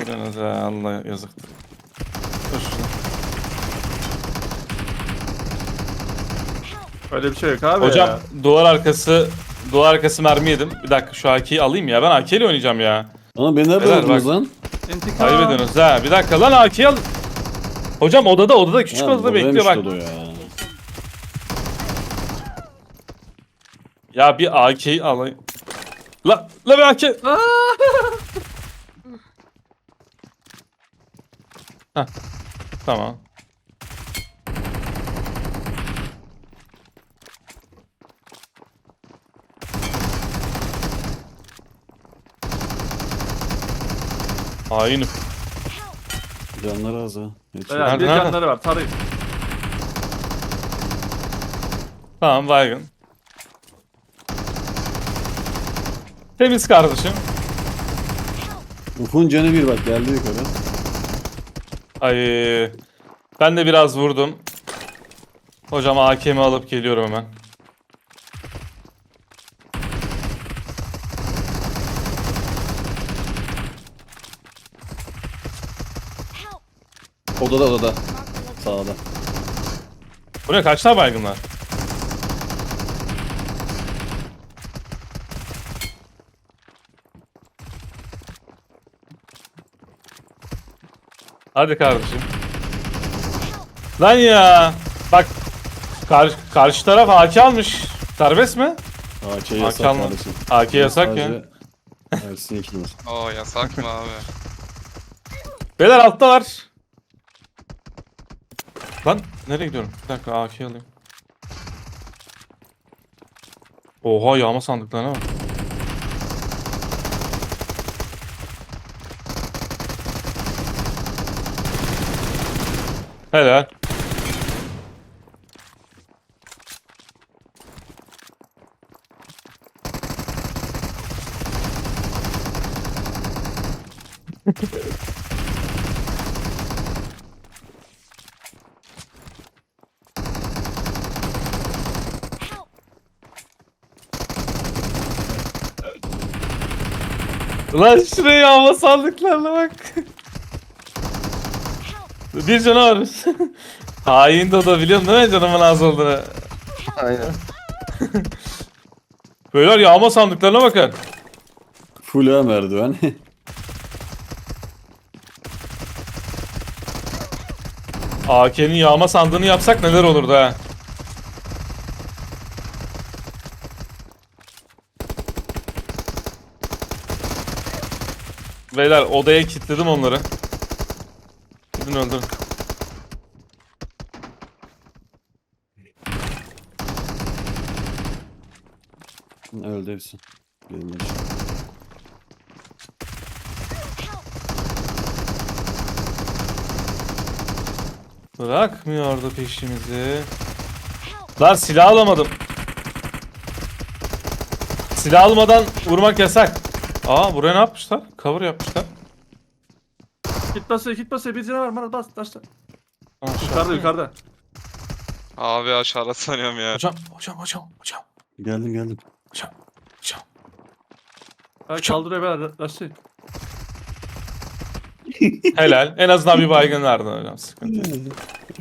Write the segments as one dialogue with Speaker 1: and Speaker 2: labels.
Speaker 1: veriyorsunuz ya? Allah yazıktır. Dur şunu.
Speaker 2: Öyle bir şey yok abi
Speaker 1: Hocam
Speaker 2: ya.
Speaker 1: duvar arkası mermi yedim. Bir dakika şu AK'yi alayım ya. Ben AK ile oynayacağım ya.
Speaker 3: Ama beni nerede
Speaker 1: Beyler
Speaker 3: vurdunuz
Speaker 1: bak.
Speaker 3: lan?
Speaker 2: İntikam.
Speaker 1: Kaybediyorsunuz ha. Bir dakika lan AK'yi al. Hocam odada küçük
Speaker 3: Ha,
Speaker 1: odada bekliyor
Speaker 3: buradaymış
Speaker 1: bak.
Speaker 3: Dodo ya.
Speaker 1: Ya bir AK'yi alayım. La bir AK. Heh, tamam. Hain.
Speaker 3: Canları az ha. Hiç
Speaker 2: Beyler, bir
Speaker 1: Nerede?
Speaker 2: canları var. Tarayın.
Speaker 1: Tamam baygın. Temiz kardeşim.
Speaker 3: Ufuk'un canı bir bak geldi yukarı.
Speaker 1: Ay ben de biraz vurdum. Hocam AK'mi alıp geliyorum hemen.
Speaker 3: Odada. Sağda.
Speaker 1: Bu ne kaç tane baygın var? Hadi kardeşim. Lan ya. Bak karşı taraf AK almış. Serbest mi?
Speaker 3: AK yasak
Speaker 1: alma.
Speaker 3: kardeşim.
Speaker 1: AK yasak ya.
Speaker 3: Sadece Ersin ikimiz.
Speaker 4: Oo yasak mı abi?
Speaker 1: Beyler altta var. Lan nereye gidiyorum? Bir dakika AK alayım. Oha yağma sandıklarına bak. Helal. Lan şuraya yağma sandıklarına bak. Bir canavar. Hain Dodo biliyorsun değil mi canımın az olduğunu?
Speaker 5: Aynen.
Speaker 1: Beyler yağma sandıklarına bakın.
Speaker 3: Full ha merdiven.
Speaker 1: AK'nin yağma sandığını yapsak neler olurdu ha? Beyler odaya kilitledim onları. Gidin öldürün.
Speaker 3: Öldü hepsi. Gelin
Speaker 1: Bırakmıyordu peşimizi. Lan silah alamadım. Silah almadan vurmak yasak. Aa buraya ne yapmışlar? Cover yapmışlar.
Speaker 2: Git basıyor. Bir canavar var. Bas. Taşla.
Speaker 1: Aşağı.
Speaker 2: Yukarıda.
Speaker 4: Abi aşağıda sanıyorum ya.
Speaker 1: Hocam.
Speaker 3: Geldim.
Speaker 1: Hocam.
Speaker 2: Ha, kaldırıyor beyler. Taşla.
Speaker 1: Helal. En azından bir baygın verdin hocam. Sıkıntı yok.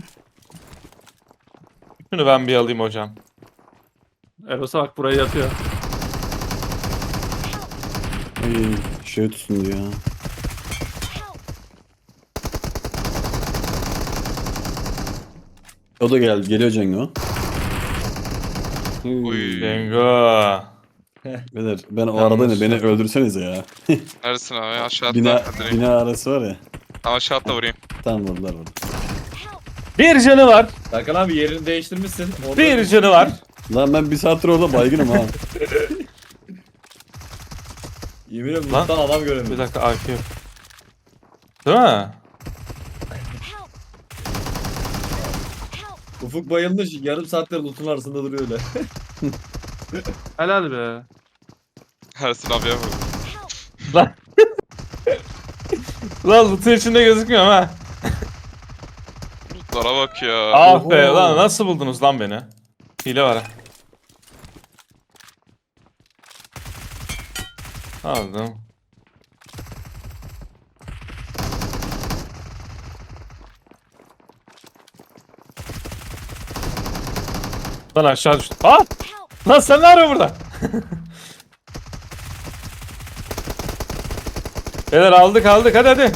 Speaker 1: Şunu ben bir alayım hocam.
Speaker 2: Eros'a bak burayı yatıyor.
Speaker 3: Ay, şey tutsun diyor ya. O da geldi. Geliyor Cengo.
Speaker 4: Uy.
Speaker 1: Bingo.
Speaker 3: Beyler ben o
Speaker 1: Yanlış.
Speaker 3: arada ne beni öldürsenize ya.
Speaker 4: Neredesin abi? Aşağı
Speaker 3: Bina,
Speaker 4: atla. Direkt.
Speaker 3: bina arası var ya.
Speaker 4: Tam aşağı atla vurayım.
Speaker 3: Tam vurdular burada.
Speaker 1: Bir canı var.
Speaker 5: Serkan abi yerini değiştirmişsin. Orada
Speaker 1: Bir canı var.
Speaker 3: Lan ben bir saattir orada baygınım ha.
Speaker 5: Yemin ediyorum
Speaker 1: Lan.
Speaker 5: loot'tan adam
Speaker 1: Bir
Speaker 5: göremiyorum.
Speaker 1: dakika AK yok. Değil mi?
Speaker 5: Ufuk bayılmış. Yarım saattir loot'un arasında duruyor öyle.
Speaker 2: Helal be.
Speaker 4: Ersin abiye vur.
Speaker 1: Lan. Lan loot'un içinde gözükmüyor ha.
Speaker 4: Lootlara bak ya.
Speaker 1: Ah be
Speaker 3: Oho.
Speaker 1: lan nasıl buldunuz lan beni? Hile var ha. Aldım. Lan aşağı düştüm. Aa! Lan sen ne arıyorsun burada? Beyler aldık hadi.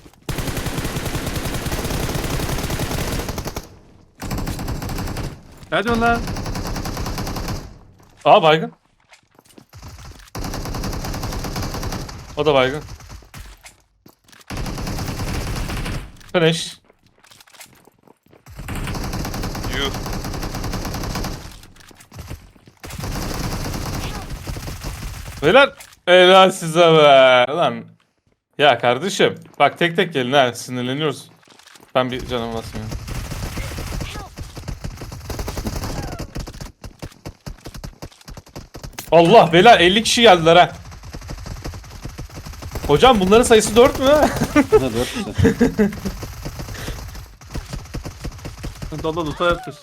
Speaker 2: Ne diyorsun lan?
Speaker 1: Aa baygın. O da baygın. Finish.
Speaker 4: Yuh.
Speaker 1: Beyler helal size be. Lan. Ya kardeşim. Bak tek tek gelin ha. Sinirleniyoruz. Ben bir canım basmıyorum. Allah beyler 50 kişi geldiler ha. Hocam bunların sayısı 4 mü?
Speaker 3: Ha 4 işte.
Speaker 2: Dolu loot'a yatır.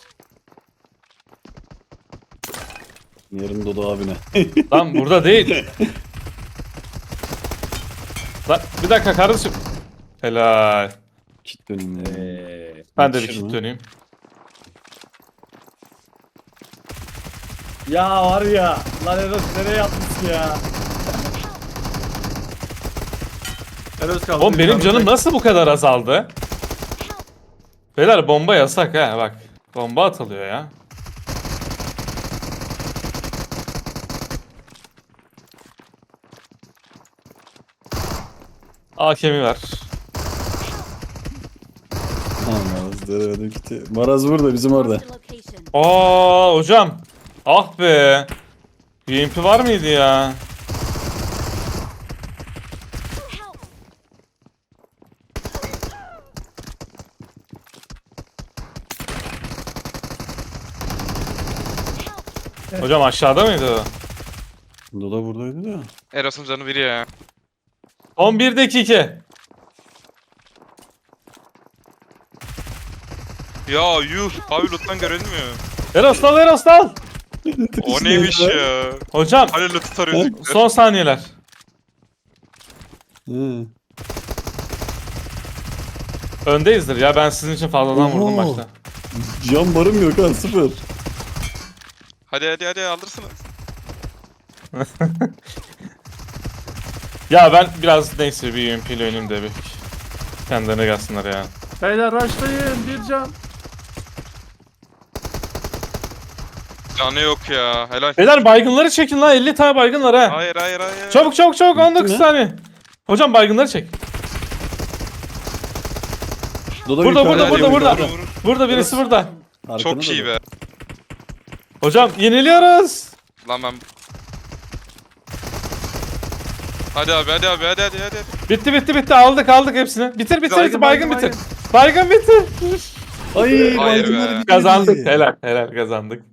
Speaker 3: Yarın Dodo abine.
Speaker 1: Lan burada değil. Lan bir dakika kardeşim. Helal.
Speaker 3: Kit döneyim ya.
Speaker 1: Ben de bir
Speaker 3: Yetişir
Speaker 1: kit
Speaker 3: mi?
Speaker 1: döneyim.
Speaker 5: Ya var ya. Lan Eros nereye yapmışsın ya?
Speaker 2: Eros kaldı.
Speaker 1: Oğlum benim
Speaker 2: Yukarıda
Speaker 1: canım
Speaker 2: tek-
Speaker 1: nasıl bu kadar azaldı? Beyler bomba yasak ha bak. Bomba atılıyor ya. AK'mi ver.
Speaker 3: Ha Maraz denemedim kiti. Maraz burada bizim orada.
Speaker 6: Marked a location.
Speaker 1: Aa hocam. Ah be. UMP var mıydı ya?
Speaker 6: Help!
Speaker 1: Hocam aşağıda mıydı o?
Speaker 3: Dodo buradaydı da.
Speaker 4: Eros'un canı biri ya.
Speaker 1: 11 dakika.
Speaker 4: Ya yuh. Abi loot'tan görünmüyor.
Speaker 1: Eros dal.
Speaker 4: O neymiş ya?
Speaker 1: Hocam
Speaker 4: Hani loot'u tarıyorduk.
Speaker 1: son saniyeler.
Speaker 3: Hı.
Speaker 1: Öndeyizdir ya ben sizin için fazladan vurdum
Speaker 3: Oho.
Speaker 1: başta.
Speaker 3: Can barım yok ha 0.
Speaker 4: Hadi alırsınız.
Speaker 1: Ya ben biraz neyse bir UMP ile oynayayım de bir kendilerine gelsinler ya.
Speaker 2: Beyler rushlayın bir can.
Speaker 4: Canı yok ya. Helal.
Speaker 1: Beyler baygınları çekin lan 50 tane baygın var ha.
Speaker 4: Hayır.
Speaker 1: Çabuk 19
Speaker 3: mi?
Speaker 1: saniye. Hocam baygınları çek.
Speaker 3: Dodo
Speaker 1: Burada,
Speaker 3: yukarıda,
Speaker 1: burada,
Speaker 3: yukarıda.
Speaker 1: burada. Burada birisi burada.
Speaker 3: Arkana
Speaker 4: Çok iyi
Speaker 3: Dodo.
Speaker 4: be.
Speaker 1: Hocam yeniliyoruz.
Speaker 4: Lan ben... Hadi abi.
Speaker 1: Bitti aldık hepsini. Bitir baygın bitir. Baygın bitir.
Speaker 3: Ay
Speaker 4: Hayır
Speaker 3: baygınlar
Speaker 4: be.
Speaker 3: bitirdi.
Speaker 1: Kazandık helal kazandık.